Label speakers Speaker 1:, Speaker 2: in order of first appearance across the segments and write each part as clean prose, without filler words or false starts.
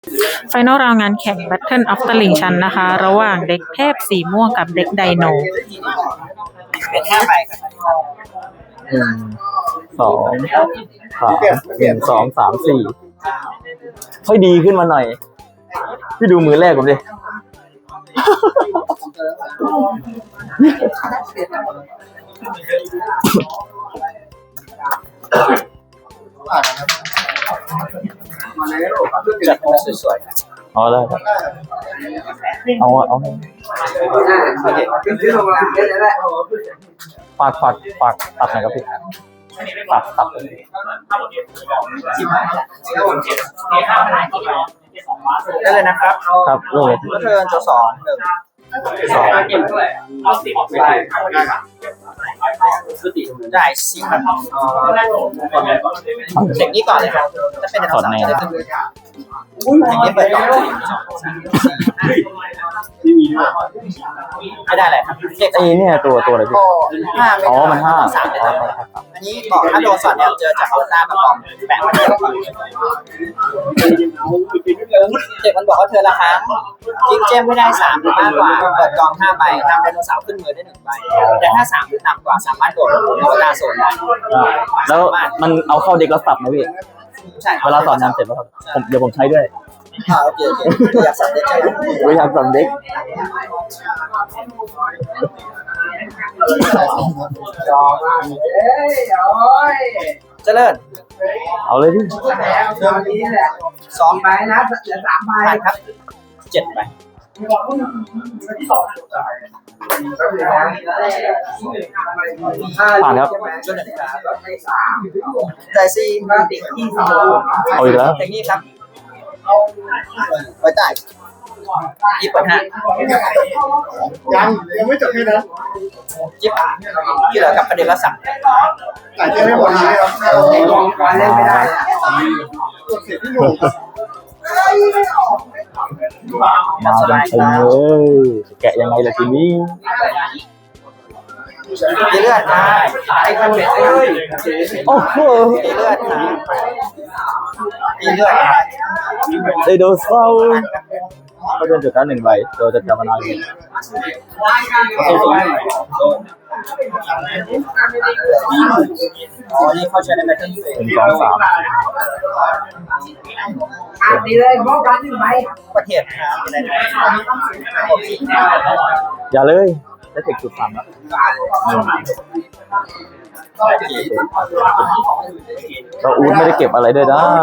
Speaker 1: ไฟนอลราวงานแข่ง Battle of ตลิ่งชันนะคะระหว่างเด็กเทพสีม่วงกับเด็กไดโน
Speaker 2: เป็น5 ใบครับ
Speaker 3: 1 2 3 1 2 3 4ค่อยดีขึ้นมาหน่อยพี่ดูมือแรกผมดิ
Speaker 2: จัดมาสวย
Speaker 3: ๆเอาได้ครับเอาฝากตัดหน่อยครับพี่ตัด
Speaker 2: ได้เลยนะครับ
Speaker 3: ครับเลย
Speaker 2: ก็เทิร์นตัว2 1 2เกมด้วยเอา10ได้4ครับเด็กนี้ก่อนเลยครับจะเป็นถอดในเด็กนี้เปิดก่อนไม่ได้เลยครับเด็ก
Speaker 3: เนี่ยตัวอะไรพี่
Speaker 2: อ๋อ
Speaker 3: มัน5
Speaker 2: อันนี้บอกถ้าโดนสอดเนี่ยเจอจากเอาหน้ามาบอมแปะมาเดียวเด็กมันบอกว่าเธอละครั้งจิงเจมไม่ได้3หรือมากกว่าเปิดกอง5 ใบนำไดโนเสาร์ขึ้นมือได้1 ใบแต่ถ้า3หรือต่ำกว่าสามารถโดดลงเวลาโซนได้
Speaker 3: แล้วมันเอาเข้าเด็กแล้วสับไหมพี่
Speaker 2: ใช่
Speaker 3: เวลาสอนงานเสร็จแล้วครับเดี๋ยวผมใช้ด้วย
Speaker 2: โอเคอยากสับเด็กใช่ไหม
Speaker 3: อยากสับเด็ก
Speaker 2: เจริญ
Speaker 3: เอาเลยพี่
Speaker 2: 2 ใบนะเหลือ3 ใบครับ7 ใบ
Speaker 3: ผ่านครับ
Speaker 2: ใจซี
Speaker 3: เอาอีกแล้ว
Speaker 2: เทคนิคครับไว้ใต้ที่เปิด5
Speaker 4: ยังไม่จบแค่นั้น
Speaker 2: จิ๊บที่เหลือกับประเด็นละสั่ง
Speaker 4: แต่จะไม่หมดเลยครับเล่นไม่ได้กดเสียที่หนู
Speaker 3: มาแกะยังไงล่ะทีนี้
Speaker 2: มีเลือดนะไอ้คนเด็กเลย
Speaker 3: โอ้โห
Speaker 2: มีเลือดนะมีเลือด
Speaker 3: ไดโนเสาร์ก็เดินจุดนั้น1 ใบเราจะจำมานานอยู่
Speaker 2: อ๋อนี่เขาใช้ในแบทเทิลเฟส
Speaker 3: 1 2 3
Speaker 2: ดีเลยมองกัน1 ใบประเทศอะไร
Speaker 3: อย่าเลยได้เทคจุด3แล้วเราอู๊ดไม่ได้เก็บอะไรด้วยนะ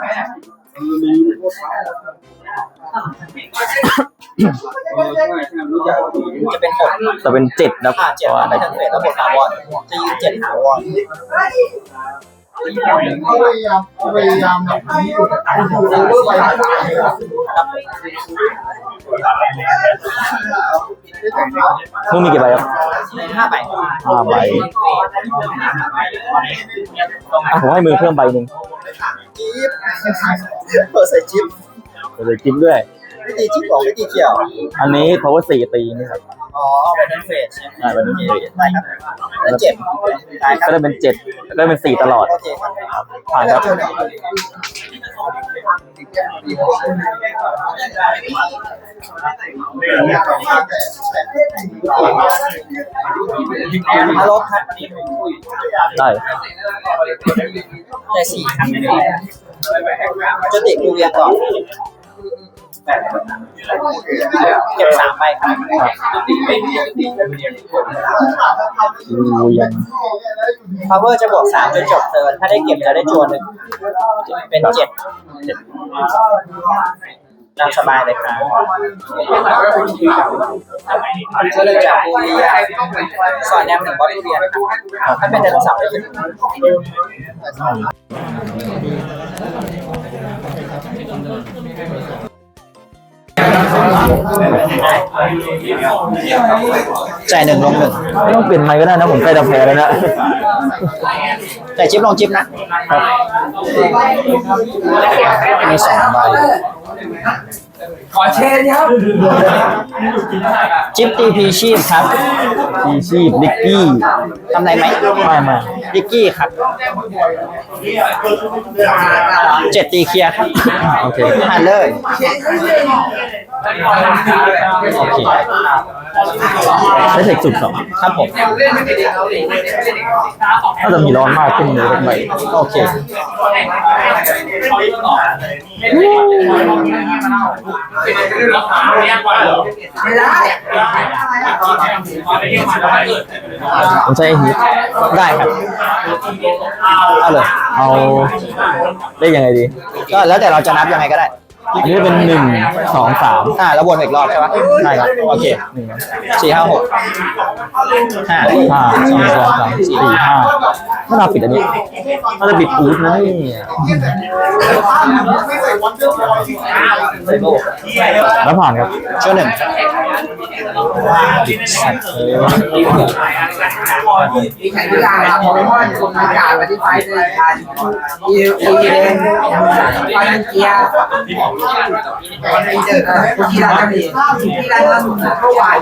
Speaker 2: จะเป็น6
Speaker 3: จะเป็น7นะ
Speaker 2: 7ในทั้งเฟสแล้วบวก3 วอนจะยืน7 หาวอน
Speaker 4: พยายามแบบนี้อยู่ไป
Speaker 3: มึงมีกี่ใบครับ
Speaker 2: 5 ใบ
Speaker 3: 5 ใบผมให้มือเพิ่มใบ 1
Speaker 2: จิ๊บใส่จิ๊บ
Speaker 3: เลยจิ๊บด้วย
Speaker 2: ไม่ตีจิ๊บไม่ตีเกี่ยว
Speaker 3: อันนี้ power 4 ตีนี่ครับ
Speaker 2: อ๋อเป็นเฟสใช่ไหม
Speaker 3: เป็นเฟส
Speaker 2: ได้ครับแล้ว7
Speaker 3: ก็ได้เป็น7ได้เป็น4ตลอด
Speaker 2: โอเคครับ
Speaker 3: ผ่านครับ
Speaker 2: ฮัลโหลครับ
Speaker 3: ได้
Speaker 2: ใจ4ครับจะติดดูเรียนก่อนเก็บ3 ใบครับ
Speaker 3: ยัง
Speaker 2: power จะบวก3จนจบเทิร์นถ้าได้เก็บจะได้จั่ว1เป็น7ตามสบายเลยครับจะเลยจากบูเรียสอนแนม1 บอสเรียนถ้าเป็นไดโนเสาร์ได้ขึ้นจ่าย1 ลง 1
Speaker 3: ไม่ต้องเปลี่ยนไมค์ก็ได้นะผมใกล้จะแพ้แล้วนะ
Speaker 2: จ่ายจิ๊บลงจิ๊บนะมี2 ใบ
Speaker 5: อเชนครับ
Speaker 2: จิ๊บตีพีชีพครับ
Speaker 3: พีชีพดิกกี้
Speaker 2: ทำไรไหม
Speaker 3: ไม่
Speaker 2: ดิกกี้ครับ7ตีเคลียร์ครับ
Speaker 3: โอเค
Speaker 2: ผ่านเลย
Speaker 3: โอเคใช้เทคสุดสอง
Speaker 2: ครับผม
Speaker 3: น่าจะมีร้อนมากขึ้นเลยไป
Speaker 2: โอเค
Speaker 3: ผมใช้ฮิต
Speaker 2: ได้ครับเอาเลย
Speaker 3: เอาได้ยังไงดี
Speaker 2: ก็แล้วแต่เราจะนับยังไงก็ได้
Speaker 3: อันนี้เป็น1 2 3
Speaker 2: แล้ววนอีกรอบใช่ปะ
Speaker 3: ใช่ครับ
Speaker 2: โอเค
Speaker 3: 1
Speaker 2: 4 5 6 5
Speaker 3: 5 2 3 4 5ถ้าเราปิดอันนี้น่าจะปิดอูดนะนี่แล้วผ่านครับ
Speaker 2: ช่วงหนึ่ง
Speaker 5: มีแข่งกีฬาครับผมว่าคนอากาศมาที่ไฟเลยการอีเลนไฟนันเกียร์คนกีฬาจะมีกีฬาล่าสุดเมื่อวาน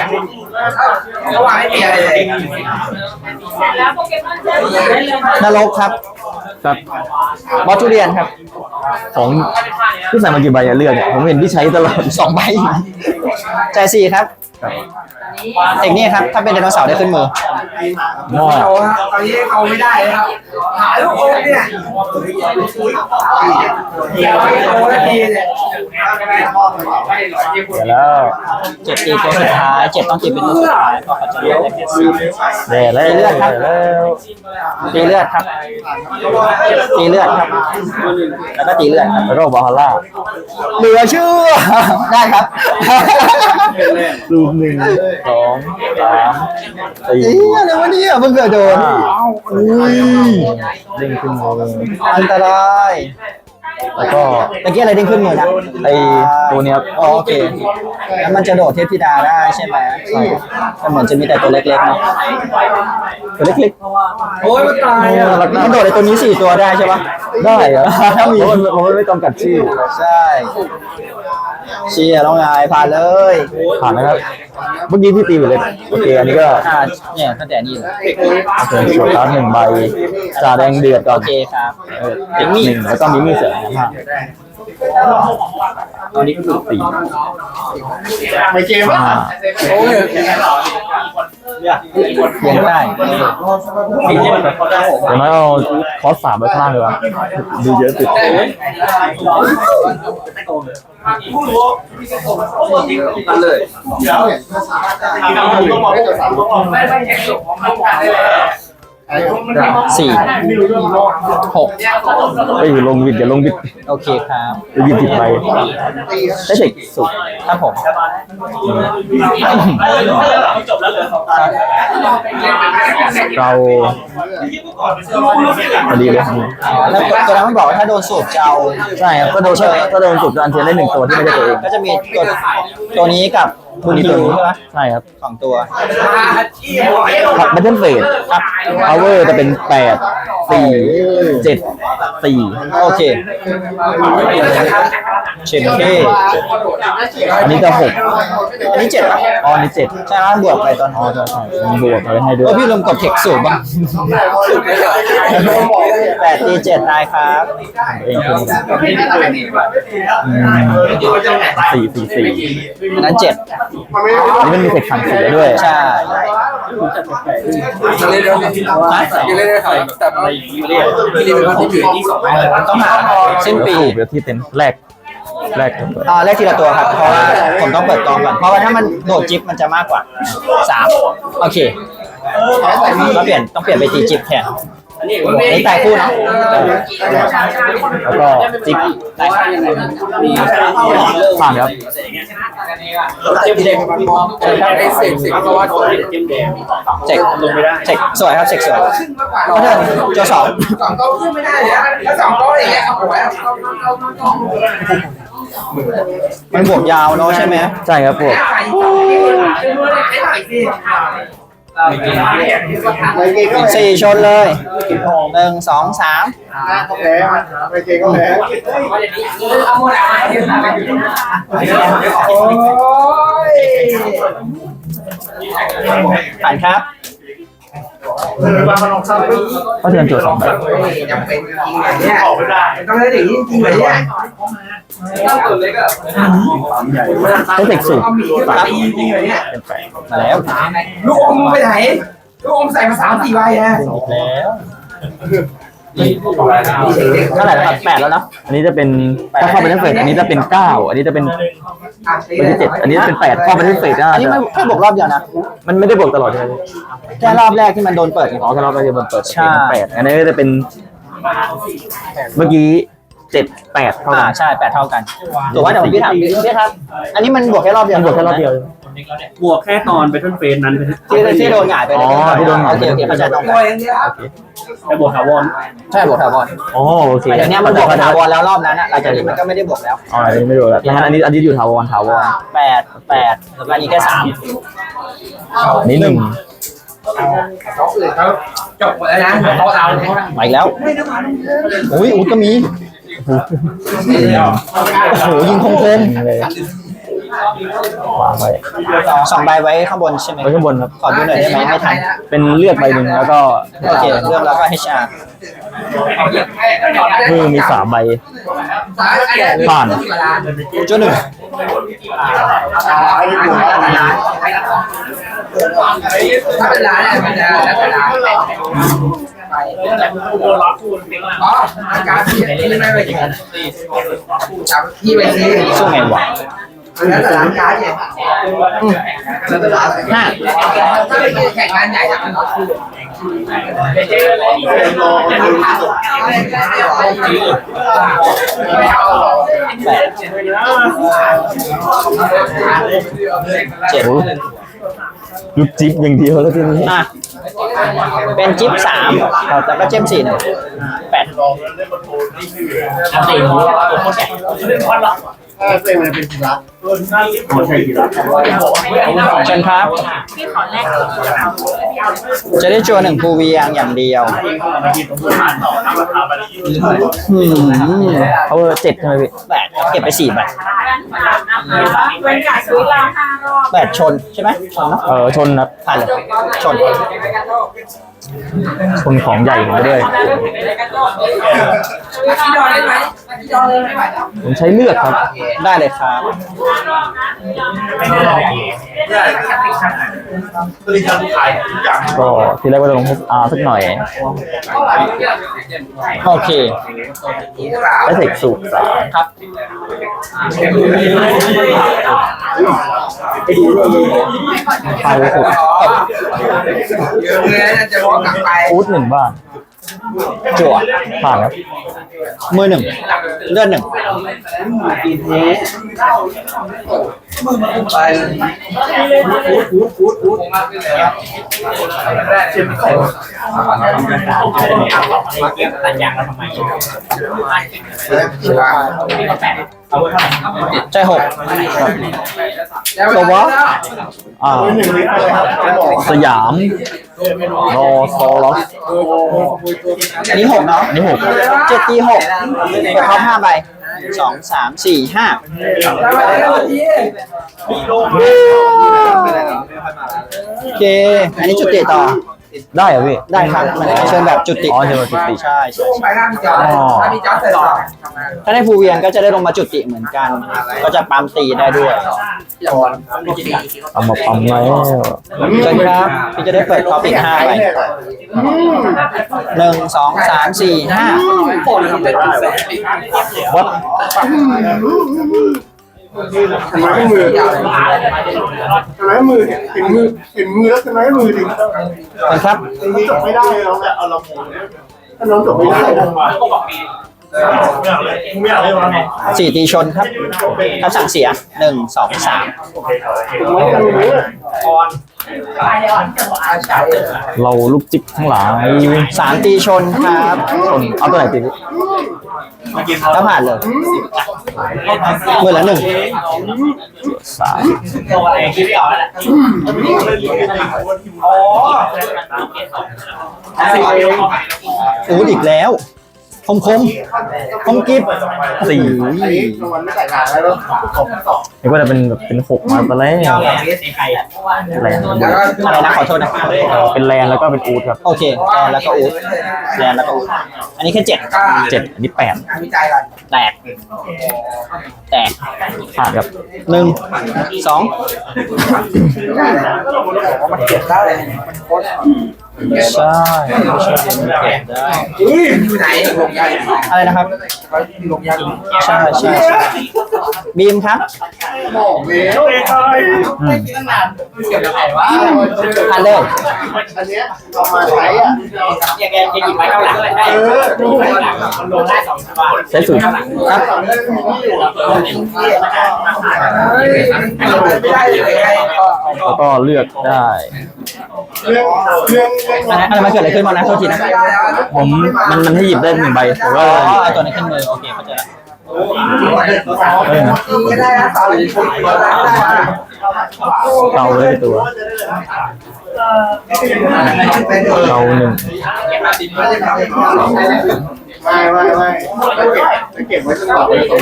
Speaker 5: ไม่มีอะไรเลย
Speaker 2: นรกครับ
Speaker 3: ครับ
Speaker 2: บอสทุเรียนครับ
Speaker 3: ของที่ใส่มากี่ใบอะเลือกเนี่ยผมเห็นที่ใช้ตลอด
Speaker 2: 2 ใบใจาย4ครับเทคนี่ครับ ถ้าเป็นไดโนเสาร์ได้ขึ้นมือ
Speaker 3: หม้อ
Speaker 5: เอาครับตอนนี้เอาไม่ได้ครับหาลูกอมเนี่ยโอ้ยดีเนี่ย
Speaker 3: เดี๋ยวแล้ว
Speaker 2: 7 ตีตัวสุดท้าย 7 ต้องตีเป็นตัวสุดท้ายเพราะเขาจะเลือกได้แค่4
Speaker 3: เดี๋ยวแล้ว
Speaker 2: ตีเลือดครับ
Speaker 3: แล้ว
Speaker 2: ตีเลือดครับ ตีเลือดครับ แล้วก็ตีเลือดครับ
Speaker 3: แล้วก็บาฮาร่า
Speaker 2: เหลือเชื่อ ได้ครับ
Speaker 3: ซูม1 2 3
Speaker 2: เอ๊ะอะไรวะเนี่ยเพิ่งเกิดโดน
Speaker 3: อุ้ยเด้งขึ้นมือ
Speaker 2: อันตราย
Speaker 3: แล้วก็
Speaker 2: เมื่อกี้อะไรเด้งขึ้นมือนะ
Speaker 3: ไอตัวเนี้ยครับ
Speaker 2: อ๋อโอเคแล้วมันจะโดดเทพธิดาได้ใช่ไหมใช่ก็เหมือนจะมีแต่ตัวเล็กๆเนาะ
Speaker 3: ตัวเล็ก
Speaker 5: โอ้ยมันตายอ่ะ
Speaker 2: มันโดดในตัวนี้4 ตัวได้ใช่ปะ
Speaker 3: ๆได้เหรอถ้ามีมันไม่จำกัดชื่อ
Speaker 2: ใช่เชียร์ต้องไงผ่านเลย
Speaker 3: ผ่านนะครับเมื่อกี้ที่ตีไปเลยโอเคอันนี้ก็
Speaker 2: เนี่ยตั้งแต่นี่เลย
Speaker 3: โอเคโชว์การ์ด1 ใบจ่าแดงเดือดก่อน
Speaker 2: โอเคครับ
Speaker 3: เทคนิคแล้วก็มีมีเสือ5อันนี้ก็คือ4
Speaker 4: ไม่เกมอ่ะ
Speaker 5: โอ้ย
Speaker 2: เลี้ยงได้
Speaker 3: เดี๋ยวน้อยเอาคอส3ไว้ข้างล่างเลยวะดูเยอะสุด
Speaker 5: กันเลย
Speaker 2: 4 6
Speaker 3: ไปอยู่ลงวิดอย่าลงวิด
Speaker 2: โอเคครับ
Speaker 3: ไปวิด10 ใบได้เทคสุด
Speaker 2: ครับผม
Speaker 3: เราพอดีเลย
Speaker 2: แล้วตัวนั้นมันบอกว่าถ้าโดนสูบจะเอา
Speaker 3: ใช่ครับก็โดนก็โดนจุดอันเทียนได้1 ตัวที่ไม่ใช่ตัวเอง
Speaker 2: ก็จะมีตัวนี้กับบุญคิวใช่ไหม
Speaker 3: ใช่ครับ
Speaker 2: 2 ตัว
Speaker 3: บัตเทิลเฟสครับพาวเวอร์จะเป็น8 4 7 4
Speaker 2: โอเคเชนเก้
Speaker 3: อันนี้จะ6
Speaker 2: อันนี้7ป่ะ
Speaker 3: อ๋ออันนี้7
Speaker 2: ใช่ไหมบวกไปตอน
Speaker 3: อ๋อใช่มันบวกไปให้ด้ว
Speaker 2: ก็
Speaker 3: ย
Speaker 2: พี่ลืมกดเทคสูบบ้าง8 ตี 7 ตายครับ
Speaker 3: เองคือ4
Speaker 2: อันนั้น 7
Speaker 3: อันนี้มันมีเทคสั่งเสียด้วย
Speaker 2: ใช่
Speaker 5: เล่นได้ค่ะแต่พี่เล่นเป็นคนที่ถือที่2
Speaker 2: ต้องหาสิ้นปี
Speaker 3: เดี๋ยวที่เต็มแรกกันเลย
Speaker 2: แรกทีละตัวครับ เพราะว่าผมต้องเปิดกองก่อน เพราะว่าถ้ามันโดดจิ๊บมันจะมากกว่า 3 โอเคต้องเปลี่ยนไปตีจิ๊บแทนนี่ตายคู่เนาะ
Speaker 3: แล้วก็จิ๊บ
Speaker 2: ตายคู่
Speaker 3: ผ่านครับ
Speaker 5: ไอ้เสกเพราะว่า
Speaker 2: เจ็กเจ็กสวยครับเจ็กสวยตัว2
Speaker 5: 2 ก็ขึ้นไม่ได้เลยถ้า2 ก็อย่างเงี้ยโอ้ย
Speaker 2: มันบวกยาวเนาะใช่ไหม
Speaker 3: ใช่ครับพวก
Speaker 4: ไปเกย์ก็แพ้
Speaker 2: สี่ชนเลยหนึ่งสองสาม
Speaker 4: ก็แพ้ไปเกย์ก็แพ้
Speaker 5: เอาหมดอ่ะโอ้ย
Speaker 2: ผ่านครับ
Speaker 3: ก็เทิร์นจั่ว2ใบ
Speaker 5: จำเป็นจริงๆเนี่ยต้องได้ถึงจริงๆเลยเนี่ย
Speaker 3: ให้เทคสูง
Speaker 5: ครับจริงๆเลยเนี่ย
Speaker 3: เป็น8
Speaker 2: มาแล้ว
Speaker 5: ลูกอมไปไหนลูกอมใส่มา3-4 ใบนะ
Speaker 2: เท่าไหร่แล้วครับ8แล้วเนาะ
Speaker 3: อันนี้จะเป็นถ้าเข้าไปที่เฟสอันนี้จะเป็น9อันนี้จะเป็นใบที่7อันนี้จะเป็น8เข้าไปที่เฟส
Speaker 2: อันนี้ไม่แค่บวกรอบเดียวนะ
Speaker 3: มันไม่ได้บวกตลอดใช่ไหม
Speaker 2: แค่รอบแรกที่มันโดนเปิด
Speaker 3: อ๋อถ้ารอบแรกจะเปิด
Speaker 2: ใช่
Speaker 3: 8อันนี้ก็จะเป็นเมื่อกี้7 8เท่ากัน
Speaker 2: ใช่8เท่ากันถูกว่าเดี๋ยวผมพี่ถามพี่ครับ อันนี้มันบวกแค่รอบเดียว
Speaker 3: มันบวกแค่รอบเดียว
Speaker 6: บวกแค่ตอนไปต้นเฟสนั้น
Speaker 2: ที่โดนหงายไปเลย
Speaker 3: อ๋อที่โดนหงาย
Speaker 2: โอเคเข้าใจตรง
Speaker 5: โอ้
Speaker 2: กัน
Speaker 5: ยอย่างเดียว
Speaker 6: แต่บวกถาวร
Speaker 2: ใช่บวกถาวร
Speaker 3: อ๋อโอเค
Speaker 2: แต่เดี๋ยวนี้มันบวกถาวรแล้วรอบนั้นอ่ะหลังจากนี้มันก็ไม่ได้บวกแล้ว
Speaker 3: อ๋ออันนี้ไม่รู้แล้วงั้นอันนี้อยู่ถาวร
Speaker 2: 8แล้วก็อันนี้แค่3
Speaker 3: อันนี้1
Speaker 5: จบหมดแล้วนะโต๊ะเราเนี่ย
Speaker 2: มาอีกแล้วอุ้ยก็มีโอ้โหยิงคม
Speaker 3: เลยวางไว้
Speaker 2: ๆ2ใบไว้ข้างบนใช่ไหม
Speaker 3: ไว้ข้างบนครับ
Speaker 2: ขอดูหน่อยได้ไหมไม่ทัน
Speaker 3: เป็นเลือดใบหนึ่งแล้วก็
Speaker 2: โอเคเรื่องแล้วก็ HR
Speaker 3: มือมี3ใบ ผ่าน
Speaker 2: จุดหนึ่ง
Speaker 5: ถ้าเป็นร้านเนี่ยมันจะแล้วแต่ร้านอ๋ออาการที่ไม่ไปแข่งจับที่ไปซื้อ
Speaker 2: สู้ไงวะ
Speaker 5: แล้วแต่ร้านค้าเนี่ยแล้วแต่ร้าน
Speaker 2: 5
Speaker 5: ถ้าเป็นแข่งงานใหญ่จะเป็นรถคู่
Speaker 2: 7
Speaker 3: ลูกจิ๊บอย่างเดียวแล้วทีนี้
Speaker 2: อ่ะเป็นจิ๊บ3แล้วก็เจม4 1 8
Speaker 4: เฟรมมันเป็นกีฬา
Speaker 2: เชิญครับ จะได้จัว1ภูเวียงอย่างเดียว
Speaker 3: เขา7ใช่ไหมพี่
Speaker 2: 8เก็บไป4ใบ
Speaker 1: เว้นจากซื้อเรา5 รอบ
Speaker 2: 8ชนใช่ไหมชนเนาะ
Speaker 3: ชนครับ
Speaker 2: ผ่านเลยชน
Speaker 3: ชนของใหญ่มาด้วย
Speaker 5: ที่ดอนได้ไหมที่ดอนเลยไม่ไหวแล้ว
Speaker 3: ผมใช้เลือดครับ
Speaker 2: ได้เลยครับ
Speaker 3: ก็ทีแรกว่าจะลงสักหน่อย
Speaker 2: โอเค
Speaker 3: และเทคสูตร3
Speaker 2: ครับ
Speaker 3: ไปเลยสุด
Speaker 5: เงินจะบอกกลับไป
Speaker 3: ฟูด1 บ้าน
Speaker 2: จั่ว
Speaker 3: ผ่านครับ
Speaker 2: มือ1เลือด1
Speaker 5: ไป
Speaker 2: ใจ6
Speaker 3: ตัววะสยามรอซอลอส
Speaker 2: อันนี้6เนาะ
Speaker 3: อันนี้6
Speaker 2: 7ตี6ท็อป5ใบ2 3 4 5โอเค อันนี้จุติต่อ
Speaker 3: ได้เหรอพี่
Speaker 2: ได้ครับมันเชิญแบบจุติ
Speaker 3: อ๋อเชิญแบบจุติ
Speaker 2: ใช่ใช่
Speaker 5: ไปหน้าพี่จอถ้าพี่จอเสร็จต่อ
Speaker 2: ถ้าได้ภูเวียนก็จะได้ลงมาจุติเหมือนกัน ก็จะปั๊มตีได้ด้วย
Speaker 3: เอามาปั๊มแล้ว
Speaker 2: เชิญครับพี่จะได้เปิดท็อปอีก5ใบ1 2 3 4 5
Speaker 3: วัด
Speaker 4: ทำไมมือทำไมมือเห็นมือแล้วทำไมมือถึง
Speaker 2: เชิญครับ
Speaker 4: จบไม่ได้เราแหละเอาเราถ้าน้องจบไม่ได้
Speaker 2: 4 ตีชนครับครับสั่งเสีย1 2 3
Speaker 3: เราลูกจิ๊บทั้งหลาย
Speaker 2: 3 ตีชนครับ
Speaker 3: ชนเอาตัวไหนตี
Speaker 2: ก็ผ่านเลยมือละหนึ่ง
Speaker 3: สาม
Speaker 2: อูดอีกแล้วคมกิฟ
Speaker 3: สี่
Speaker 4: อันนี้รางวัลไม่แต่งงานแล้วเนาะ
Speaker 3: นี่ก็จะเป็นแบบเป็นหกมาตอนแรกแลน
Speaker 5: แล้วก็
Speaker 2: อะไรนะขอโทษนะ
Speaker 3: เป็นแลนแล้วก็เป็นอูดครับ
Speaker 2: โอเคแลนแล้วก็อูดแลนแล้วก็อูดอันนี้แค่7
Speaker 5: ก็
Speaker 3: เจ็ดอันนี้แปด
Speaker 5: งานวิจัยก่อน
Speaker 2: แตก
Speaker 3: ผ่านครับ
Speaker 2: 1 2
Speaker 5: มันเก็บได้
Speaker 3: ใช่
Speaker 5: อยู่ไหนลงยา
Speaker 2: อะไรนะครับ
Speaker 5: ลงยา
Speaker 2: ใช่บีมครับ
Speaker 4: บอกเลย
Speaker 3: อืม
Speaker 5: เก็บไหนวะ
Speaker 2: ผ่านเลย
Speaker 4: อันเนี้ยเอามาใช้อ่ะ
Speaker 5: แกหยิบไม้ข้างหลังได้มันลงได้2 ตัว
Speaker 3: ใช้สูตร
Speaker 2: ครับ
Speaker 5: ไม่ได้เลยใครก็
Speaker 3: แล้วก็เลือกได้
Speaker 4: เรื่อง
Speaker 2: อะไรมาเกิดอะไรขึ้นมานะโทษทีนะ
Speaker 3: ผมมันให้หยิบได้1 ใบผม
Speaker 2: อ๋
Speaker 3: ก็
Speaker 2: อเอาตัวนี้ขึ้นมือโอเคเข้าใจละ
Speaker 5: ก็ได้นะต่อเลยชุดก็ได้
Speaker 3: เตาเลยตัวเตา1
Speaker 4: ไม่เก็บไว้จนกว่าจะ200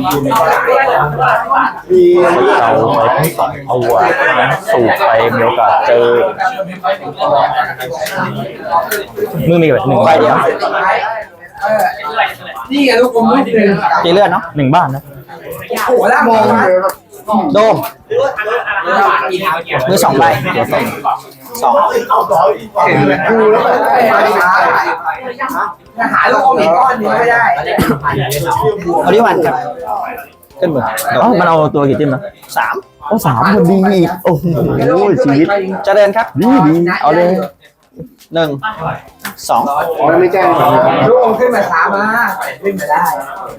Speaker 4: มี
Speaker 3: เตาไปทั้ง2 ตัวสูบไปมีโอกาสเจอมือมีแบบ1 ใบเดียว
Speaker 5: นี่ไงลูกผมลูกหนึ่ง
Speaker 2: ตีเลือดเนาะ
Speaker 3: 1 บ้านนะ
Speaker 5: โอ้โหแล้วมองนะ
Speaker 2: โดมมือ2 ใบ
Speaker 3: ตัวสอง
Speaker 4: กูแล้วแบบ
Speaker 5: หาลูกอมอีกก้อนนึงไม่ได้
Speaker 2: เอาดิวันครับขึ้นมือโด
Speaker 3: อ๋อ
Speaker 2: ม
Speaker 3: มันเอาตัวกี่จิ้มนะ
Speaker 2: 3
Speaker 3: โอ้3พอดีอีกโอ้โหชีวิต
Speaker 2: เจริญครับ
Speaker 3: ดีเอาเลย
Speaker 2: 1 2
Speaker 4: อ๋อไม่แจ้ง
Speaker 5: ลูกอมขึ้นมาช้ามาขึ้นมาได้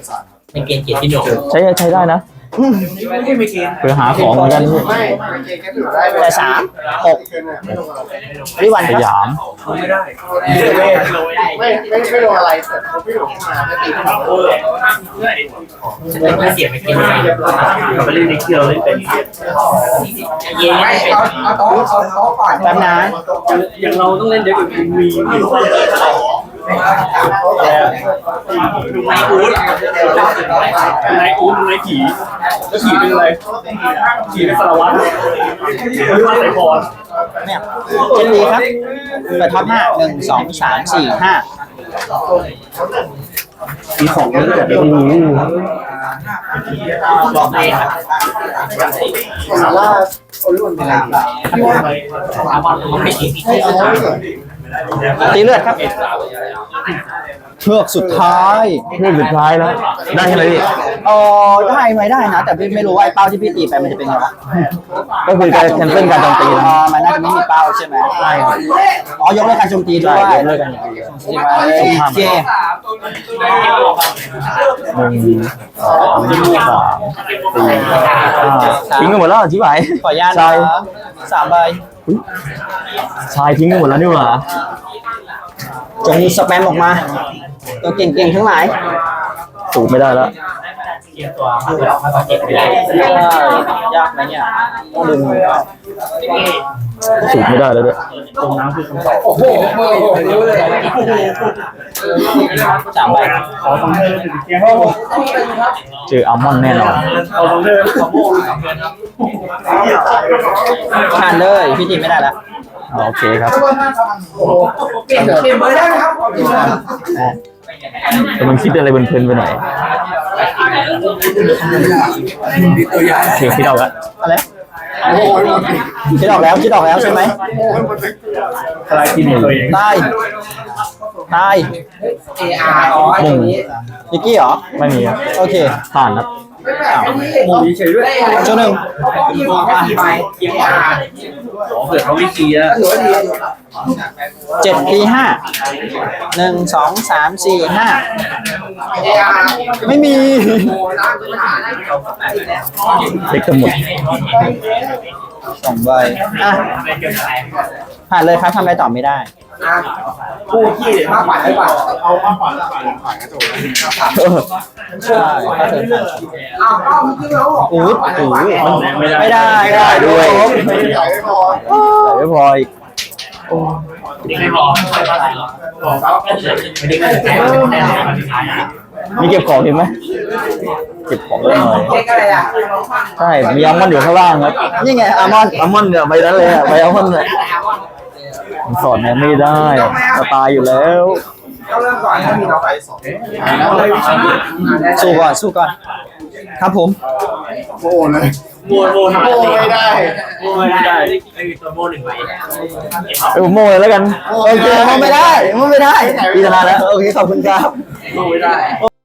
Speaker 3: ใช้ได้นะ
Speaker 5: ขึ้นไปกิน
Speaker 3: เพื่อหาของเหมือนกันพี่
Speaker 4: ไม่เกณฑ์แค่ถือได้
Speaker 2: แต่3 6ดิวัน
Speaker 3: ส
Speaker 2: ครับ
Speaker 3: ยาม
Speaker 4: ไม่โดนอะไรแต่เขาไม่โดนมาไม่ตีเขา
Speaker 5: ไม่เสียไม่กิน
Speaker 6: เราไปเล่นในเคียวเล่นเป็น
Speaker 5: ไม่เอาโต๊ะก่อน
Speaker 2: แป๊บนะ
Speaker 6: อย่างเราต้องเล่นเด็กแบบมีนายอู๊ดนายผีแล้วผีเป็นอะไรผีเป็นสารวัตรหรือว่าสายพร
Speaker 2: เนี่ยเจนดีครับเปิดท็อป5 1 2 3 4 5
Speaker 6: มีของเยอะแบบ
Speaker 3: โอ้โห
Speaker 2: บอกเลยครับ
Speaker 4: สาราโอลิวันเป็นอะไร
Speaker 2: ตีเลือดครับเชือกสุดท้าย
Speaker 3: เรื่องสุดท้ายแล้วได้ใช่ไหมพี่
Speaker 2: ได้ไหมได้นะ แต่พี่ไม่รู้ว่าไอ้เป้าที่พี่ตีไปมันจะเป็นไงวะ
Speaker 3: ก็คือการแคนเซิลการโจมตีนะ
Speaker 2: มันน่าจะไม่มีเป้าใช่ไหมใช่อ๋อยกเลิกการโจมตีด้
Speaker 3: ใช่
Speaker 2: วย
Speaker 3: ยกเลิกกันอย่างเดียว
Speaker 2: โอเค
Speaker 3: 1 2 3 4 5ทิ้งกันหมดแล้วชิบหาย
Speaker 2: ขออนุญาต
Speaker 3: ชาย
Speaker 2: นะ3 ใบ
Speaker 3: ชายทิ้งกันหมดแล้วนี่หว่า
Speaker 2: จงสแปมออกมา ตัวเก่งๆทั้งหลาย
Speaker 3: สูบไม่ได้แล้ว
Speaker 2: ยากไหมเนี่ยต้องดึง
Speaker 3: สูบไม่ได้แล้วด้วย
Speaker 6: ตรงน้ำคือคำตอบ
Speaker 5: โอ้โหรู้เลย
Speaker 2: 3 ใบ
Speaker 6: ขอฟังเธอเป็นเกียร์
Speaker 3: เจออัลมอนด์แน่นอน
Speaker 6: ขอฟังเธอขอโม่
Speaker 2: ผ่านเลยพี่ตีไม่ได้แล้ว
Speaker 3: โอเคครับ
Speaker 5: เปลี่ยนเบอร์ได้ไหมครับ
Speaker 3: แต่มันคิดอะไรเพลินๆไปหน่อย
Speaker 5: ตัวใหญ่
Speaker 3: เพียงคิดเอาละ
Speaker 2: อะไรคิดออกแล้วใช่ไหม
Speaker 6: ทลายทีมตัวเอง
Speaker 2: ตาย
Speaker 5: อ๋อตรงนี้
Speaker 2: นิกกี้เหรอ
Speaker 3: ไม่มีครับ
Speaker 2: โอเค
Speaker 3: ผ่านครับ
Speaker 6: มุมนี้เฉยด้วย
Speaker 2: โจหนึ่ง
Speaker 5: ที่มองแค่กี่ใบ
Speaker 6: เผื่อเขาไม่ชี้อะ
Speaker 5: ถือว่าดี
Speaker 2: 7 ตี 5 1 2 3 4 5 ไม่มี
Speaker 3: เด็กทั้งหมด
Speaker 2: 2 ใบอ่ะผ่านเลยครับทำอะไรต่อไม่ได้
Speaker 5: คู่ขี้มากกว่าได้ป่ะ
Speaker 4: เอามากกว่าละผ่านกระจก
Speaker 2: ใช่ถ้าเธอผ่าน
Speaker 5: อ้าวก็เมื่อกี้เราบอก
Speaker 2: อู้หูไม่ได้
Speaker 3: ไม่ได้ด้วย
Speaker 4: ใหญ่ไม่พอ
Speaker 3: ใส่ไม่พออีก มีเก็บของเห็นไหมเก็บของได้หน่อย
Speaker 5: เช็คอะไรอ่ะ
Speaker 3: ใช่มีอัลมอนด์อยู่ข้างล่างครับนี่ไงอัลมอนด์เนี่ยใบนั้นเลยอะใบอัลมอนด์เนี่ยสอนเนี่ยไม่ได้จะตายอยู่แล้ว
Speaker 5: ต้องเริ่มก่อนถ้ามีเราไปสอง
Speaker 2: สู้ก่อนสู้ก่อนครับผม
Speaker 4: โอ้เลยโม่ไม่ได้
Speaker 3: ผมโม่เลยแล้วกันโอเคโม่ไม่ได้พี่ชนะแล้วโอเคขอบคุณครับ
Speaker 5: ไม่ได้